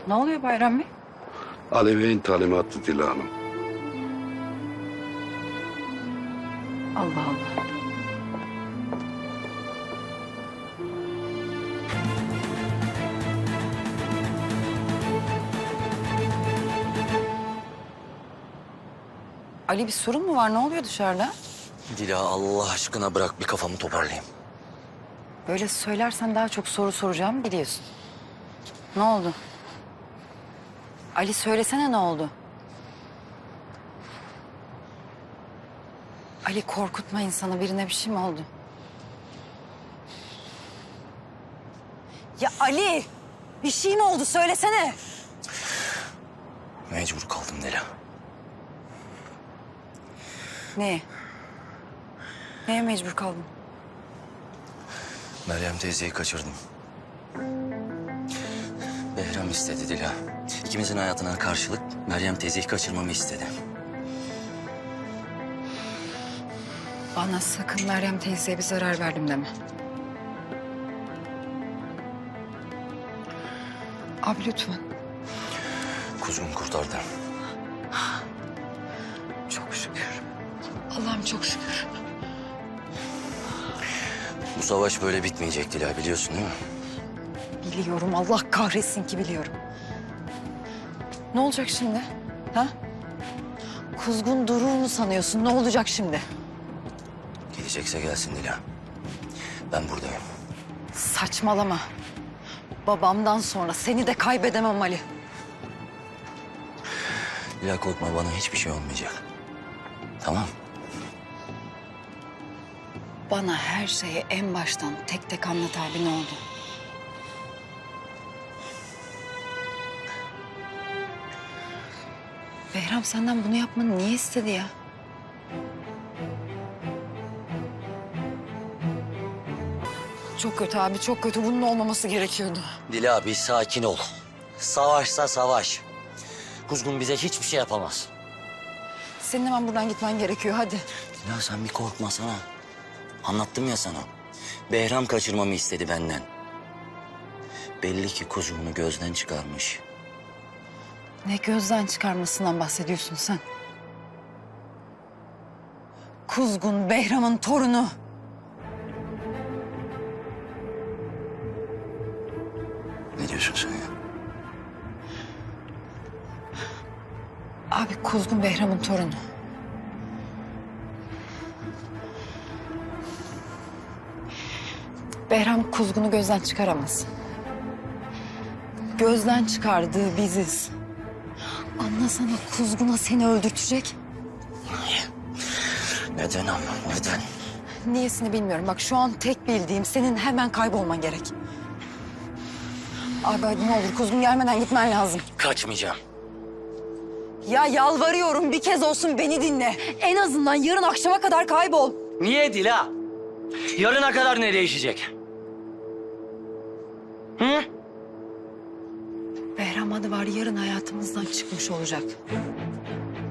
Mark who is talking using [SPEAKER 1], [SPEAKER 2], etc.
[SPEAKER 1] Ne oluyor Bayram Bey?
[SPEAKER 2] Ali Bey'in talimatı Dila Hanım.
[SPEAKER 1] Allah Allah. Ali bir sorun mu var? Ne oluyor dışarıda?
[SPEAKER 3] Dila Allah aşkına bırak bir kafamı toparlayayım.
[SPEAKER 1] Böyle söylersen daha çok soru soracağım biliyorsun. Ne oldu? Ali söylesene ne oldu? Ali korkutma insanı. Birine bir şey mi oldu? Ya Ali! Bir şey mi oldu? Söylesene.
[SPEAKER 3] Mecbur kaldım Dila.
[SPEAKER 1] Neye? Neye mecbur kaldın?
[SPEAKER 3] Meryem teyzeyi kaçırdım. Behram istedi Dila. İkimizin hayatına karşılık Meryem teyzeyi kaçırmamı istedi.
[SPEAKER 1] Bana sakın Meryem teyzeye bir zarar verdim deme. Abi lütfen.
[SPEAKER 3] Kuzgun kurtardı.
[SPEAKER 1] Çok şükür. Allah'ım çok şükür.
[SPEAKER 3] Bu savaş böyle bitmeyecek Dila biliyorsun değil mi?
[SPEAKER 1] Biliyorum. Allah kahretsin ki biliyorum. Ne olacak şimdi? Ha? Kuzgun durur mu sanıyorsun? Ne olacak şimdi?
[SPEAKER 3] Gelecekse gelsin Dila. Ben buradayım.
[SPEAKER 1] Saçmalama. Babamdan sonra seni de kaybedemem Ali.
[SPEAKER 3] Dila korkma bana hiçbir şey olmayacak. Tamam.
[SPEAKER 1] Bana her şeyi en baştan tek tek anlat abi ne oldu? Behram senden bunu yapmanı niye istedi ya? Çok kötü abi, çok kötü. Bunun olmaması gerekiyordu.
[SPEAKER 3] Dila bir sakin ol. Savaşsa savaş. Kuzgun bize hiçbir şey yapamaz.
[SPEAKER 1] Senin hemen buradan gitmen gerekiyor, hadi.
[SPEAKER 3] Dila sen bir korkmasana. Anlattım ya sana. Behram kaçırmamı istedi benden. Belli ki kuzumunu gözden çıkarmış.
[SPEAKER 1] Ne gözden çıkarmasından bahsediyorsun sen? Kuzgun Behram'ın torunu.
[SPEAKER 3] Ne diyorsun sen ya?
[SPEAKER 1] Abi Kuzgun Behram'ın torunu. Behram Kuzgun'u gözden çıkaramaz. Gözden çıkardığı biziz. Anlasana Kuzgun'a seni öldürtecek.
[SPEAKER 3] Neden ama neden?
[SPEAKER 1] Niyesini bilmiyorum. Bak şu an tek bildiğim senin hemen kaybolman gerek. Abi hadi ne olur Kuzgun gelmeden gitmen lazım.
[SPEAKER 3] Kaçmayacağım.
[SPEAKER 1] Ya yalvarıyorum bir kez olsun beni dinle. En azından yarın akşama kadar kaybol.
[SPEAKER 3] Niye Dila? Yarına kadar ne değişecek? Hı?
[SPEAKER 1] Behram adı var yarın hayatımızdan çıkmış olacak.